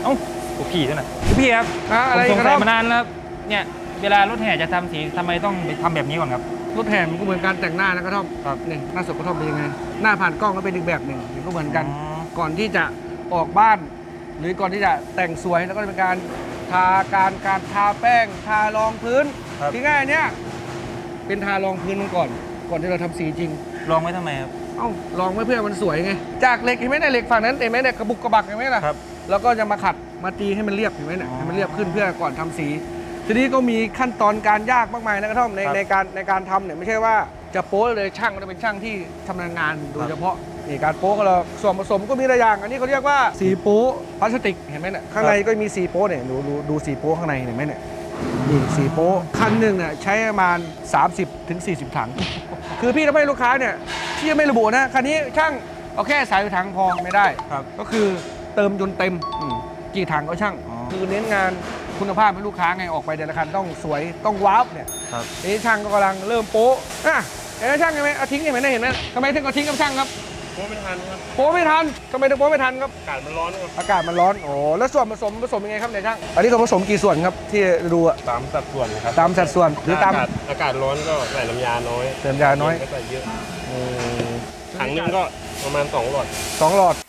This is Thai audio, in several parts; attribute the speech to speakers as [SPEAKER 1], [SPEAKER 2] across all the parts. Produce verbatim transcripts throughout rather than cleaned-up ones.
[SPEAKER 1] เอ้าพี่ด้วยนะพี่ครับผมสงสัยมานานแล้วเนี่ยเวลารถแห่จะทำสีทำไมต้องไปทำแบบนี้ก่อนครับ
[SPEAKER 2] รถแห่มันก็เหมือนการแต่งหน้านะกระท่อมครับนี่หน้าสดกระท่อมเป็นยังไงหน้าผ่านกล้องก็เป็นอีกแบบหนึ่งก็เหมือนกันก่อนที่จะออกบ้านหรือก่อนที่จะแต่งสวยแล้วก็เป็นการทาการการทาแป้งทารองพื้นที่ง่ายเนี้ยเป็นทารองพื้นมันก่อนก่อนที่เราทำสีจริง
[SPEAKER 1] ลองไว้ทำไมครับ
[SPEAKER 2] เอ้าลองไว้เพื่อมันสวยไงจากเหล็กเห็นไหมเนี่ยเหล็กฝั่งนั้นเห็นไหมเนี่ยกระบุกกระบักเห็นไหมล่ะครับแล้วก็จะมาขัดมาตีให้มันเรียบเห็นไหมเนี่ยให้มันเรียบขึ้นเพื่อก่อนทำสีทีนี้ก็มีขั้นตอนการยากมากมายนะกระท่อมในในการในการทำเนี่ยไม่ใช่ว่าจะโป๊เลยช่างก็จะเป็นช่างที่ชำนาญงานโดยเฉพาะนี่การโป๊ก็เราส่วนผสมก็มีหลายอย่างอันนี้เขาเรียกว่าสีโป๊พลาสติกเห็นไหมเนี่ยข้างในก็มีสีโป๊เนี่ยดูดูดูสีโป๊ข้างในเห็นไหมเนี่ยนี่สีโป๊คันหนึ่งเนี่ยใช้ประมาณสามสิบถึงสี่สิบถังคือพี่ทำให้ลูกค้าเนี่ยที่ไม่ระบุนะคันนี้ช่างเอาแค่สายถังพอไม่ได้ก็คือเติมจนเต็มกี่ถังก็ช่างคือเน้นงานคุณภาพให้ลูกค้าไงออกไปแต่ละคันต้องสวยต้องว้าวเนี่ยนี่ช่างก็กำลังเริ่มโป๊ะอ่ะเห็นไหมช่างเห็นไหมเอาทิ้งเห็นไหมเห็นไหมทำไมถึงเอาทิ้งกับช่างครับ
[SPEAKER 3] โป๊ไม่ทันครับ
[SPEAKER 2] โป๊ไม่ทันทำไมถึงโป๊ไม่ทันครับ
[SPEAKER 3] อากาศมันร้อนครับ
[SPEAKER 2] อากาศมันร้อนโอ้แล้วส่วนผสมผสมยังไงครับเนี่ยช่างอันนี้เขาผสมกี่ส่วนครับที่ดูอะ
[SPEAKER 3] ตามสัดส่วนครับ
[SPEAKER 2] ตามสัดส่วนหรือตาม
[SPEAKER 3] อากาศร้อนก็ใส่น้ำยาน้อย
[SPEAKER 2] ใส่น้ำยาน้อย
[SPEAKER 3] ก็ใส่เยอะถังนึงก็ประมาณสองหลอด
[SPEAKER 2] สองหลอด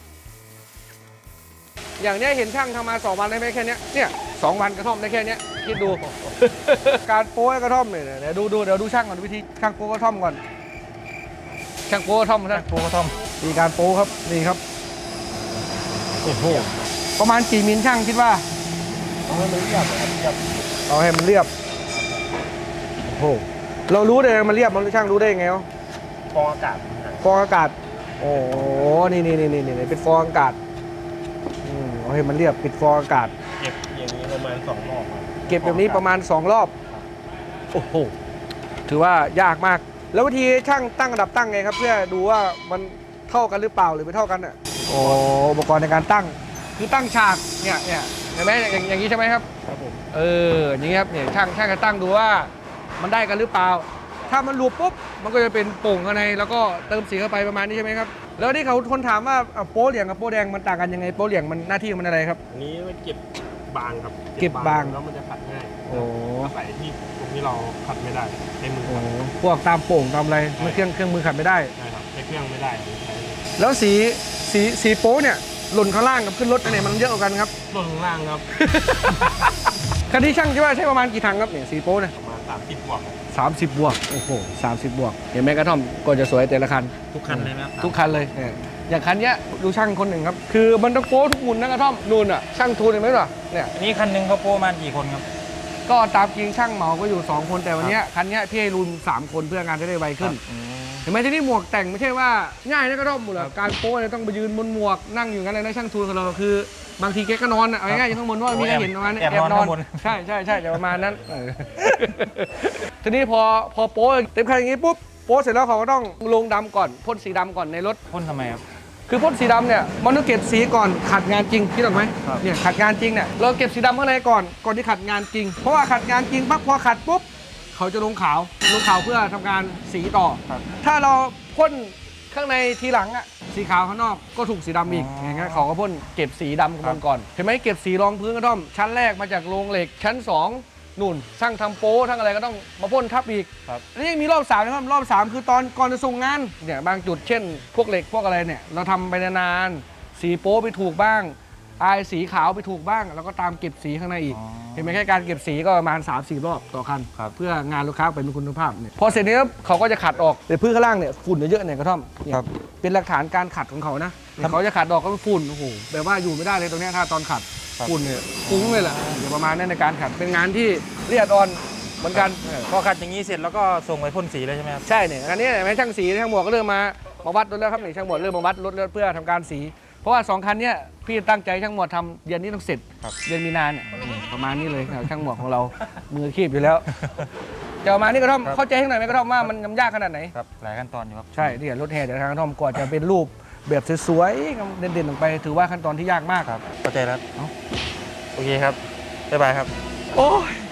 [SPEAKER 2] อย่างนี้เห็นช่างทำมาสองวันได้ไหมแค่นี้เนี่ยสองวันกระท่อมได้แค่นี้คิดดู การโป้กระท่อมเนี่ยเดี๋ยวดูดูเดี๋ยวดูช่างก่อนวิธีช่างโป้กระท่อมก่อนช่างโป้กระท่อมช่าง
[SPEAKER 1] โป๊กระท่อม
[SPEAKER 2] มีการโป้ครับนี่ครับโอ้โหประมาณกี่มิลช่างคิดว่า
[SPEAKER 3] เอาให้มันเรียบครับ
[SPEAKER 2] เอาให้มันเรียบโอ้โหเรารู้ได้มันเรียบมันช่างรู้ได้ยังไงวะ
[SPEAKER 3] ฟองอากาศ
[SPEAKER 2] ฟองอากาศโอ้โหนี่นี่นี่นี่เป็นฟองอากาศเอาให้มันเรียบปิดฟองอากาศ
[SPEAKER 3] เก็บอย่างนี้ประมาณสองรอบ
[SPEAKER 2] เก็บแบบนี้ประมาณสองรอบโอ้โหถือว่ายากมากแล้ววิธีช่างตั้งระดับตั้งไงครับเพื่อดูว่ามันเท่ากันหรือเปล่าหรือไม่เท่ากันอ่ะโอ้อุปกรณ์ในการตั้งคือตั้งฉากเนี่ยเนี่ยเห็นไหมอย่างอย่างนี้ใช่ไหมครับ
[SPEAKER 3] ครับผม
[SPEAKER 2] เอออย่างนี้ครับเนี่ยช่างช่างจะตั้งดูว่ามันได้กันหรือเปล่าถ้ามันหลุดปุ๊บมันก็จะเป็นโป่งข้างในแล้วก็เติมสีเข้าไปประมาณนี้ใช่ไหมครับแล้วที่เขาคนถามว่าโป๊เหลี่ยงกับโป๊แดงมันต่างกันยังไงโป๊เหลี่ยงมันหน้าที่มันอะไรครับ
[SPEAKER 3] อันนี้มันเก็บบางครับ
[SPEAKER 2] เก็บบาง
[SPEAKER 3] แล้วมันจะขัดง่าย
[SPEAKER 2] โอ้
[SPEAKER 3] ใส่ที่ตรงที่เราขัดไม่ได้ใช้มือ
[SPEAKER 2] พวกตามโป่งตามอะไรไม่เครื่องเครื่องมือขัดไม่ได้
[SPEAKER 3] ใช่ครับใช้เครื่องไม่ได้
[SPEAKER 2] แล้วสีสีสีโป๊เนี่ยหล่นข้างล่างกับขึ้นรถอันไหนมันเยอะกว่ากันครับ
[SPEAKER 3] หล่นข้างล่างครับ
[SPEAKER 2] คันที่ช่างคิดว่าใช้ประมาณกี่ถังครับเนี่ยสีโป๊เนี่ย
[SPEAKER 3] ประมาณสามสิบบวก
[SPEAKER 2] สามสิบบวกโอ้โหสามสิบบวกเห็นไหมกระท่อมก็จะสวยแต่ละคัน
[SPEAKER 1] ทุกคันเลยไหมครับ
[SPEAKER 2] ทุกคันเลยอย่างคันนี้ดูช่างคนหนึ่งครับคือมันต้องโป๊ทุกมุมนะกระท่อมนูนอ่ะช่างทูนเห็นไหมล่ะเนี่ย
[SPEAKER 1] นี่คันนึงเขาโป๊มากี่คนครับ
[SPEAKER 2] ก็ตามจริงช่างเหมาก็อยู่สองคนแต่วันนี้คันนี้พี่ให้รุนสามคนเพื่องานจะได้ไวขึ้นเห็นไหมที่นี่หมวกแต่งไม่ใช่ว่าง่ายนะกระท่อมหมดเลยการโป๊เนี่ยต้องไปยืนบนหมวกนั่งอยู่กันเลยนะช่างทูนของเราคือบางทีแกก็นอนอ่ะง่ายๆอยู่ข้างบนว่ามีใครเห็นประมาณนี้
[SPEAKER 1] แอบนอน
[SPEAKER 2] ใช่ใช่ใช่ประมาณนั้นทีนี้พอพอโป๊เต็มคันอย่างนี้ปุ๊บโป๊เสร็จแล้วเขาก็ต้องลงดำก่อนพ่นสีดำก่อนในรถ
[SPEAKER 1] พ่นทำไมครับ
[SPEAKER 2] คือพ่นสีดำเนี่ยมันต้องเก็บสีก่อนขัดงานจริงคิดหรอไหมเนี่ยขัดงานจริงเนี่ยเราเก็บสีดำข้างในก่อนก่อนที่ขัดงานจริงเพราะว่าขัดงานจริงปั๊บพอขัดปุ๊บเขาจะลงขาวลงขาวเพื่อทำการสีต่อถ้าเราพ่นข้างในทีหลังอะสีขาวข้างนอกก็ถูกสีดำอีกอย่างเงี้ยเขาก็พ่นเก็บสีดำกันก่อนเห็นไหมเก็บสีรองพื้นกระท่อมชั้นแรกมาจากโรงเหล็กชั้นสองนู่นช่างทำโป๊ทั้งอะไรก็ต้องมาพ่นทับอีกแล้วยังมีรอบสามนะครับรอบสามคือตอนก่อนจะส่งงานเนี่ยบางจุดเช่นพวกเหล็กพวกอะไรเนี่ยเราทำไปนานๆสีโป๊ไปถูกบ้างอายสีขาวไปถูกบ้างแล้วก็ตามเก็บสีข้างในอีกเห็นไหมแค่การเก็บสีก็ประมาณ สามสี่ รอบต่อคันเพื่องานลูกค้าเป็นคุณภาพเนี่ยพอเสร็จนี้เขาก็จะขัดออกแต่พื้นข้างล่างเนี่ยฝุ่นเยอะๆเนี่ยกระท่อมเป็นหลักฐานการขัดของเขานะเขาจะขัดออกก็ฝุ่นโอ้โหแบบว่าอยู่ไม่ได้เลยตรงนี้ถ้าตอนขัดฝุ่นเนี่ยฟุ้งเลยแหละเดี๋ยวประมาณนั้นในการขัดเป็นงานที่ละเอียดอ่อนเหมือนกัน
[SPEAKER 1] พอขัดอย่างนี้เสร็จแล้วก็ส่งไปพ่นสีเลยใช่ไหมครับ
[SPEAKER 2] ใช่เนี่ยอันนี้แม่ช่างสีช่างหมวกก็เริ่มมามาวัดรถแล้วครับนี่ช่างหมวกเริ่มมาวัดรถแล้วเพื่อทำการสีเพราะว่าสองคันนี้พี่ตั้งใจช่างหมวกทำเดือนนี้ต้องเสร็จเดือนมีนาเนี่ยประมาณนี้เลยช่างหมวกของเรามือคีบอยู่แล้วจะประมาณนี้กระท่อมเข้าใจให้หน่อยไหมกระท่อมว่ามันยากขนาดไหน
[SPEAKER 1] ครับหลายขั้นตอนอยู่ครับ
[SPEAKER 2] ใช่ที่รถแห่เดี๋ยวทางกระท่อมก่อนจะเป็นรูปแบบสวยๆเด่นๆลงไปถือว่าขั้นตอนที่ยากมาก
[SPEAKER 1] ครับเข้าใจแล้วโอเคครับบ๊ายบายครับ
[SPEAKER 2] โอ้ย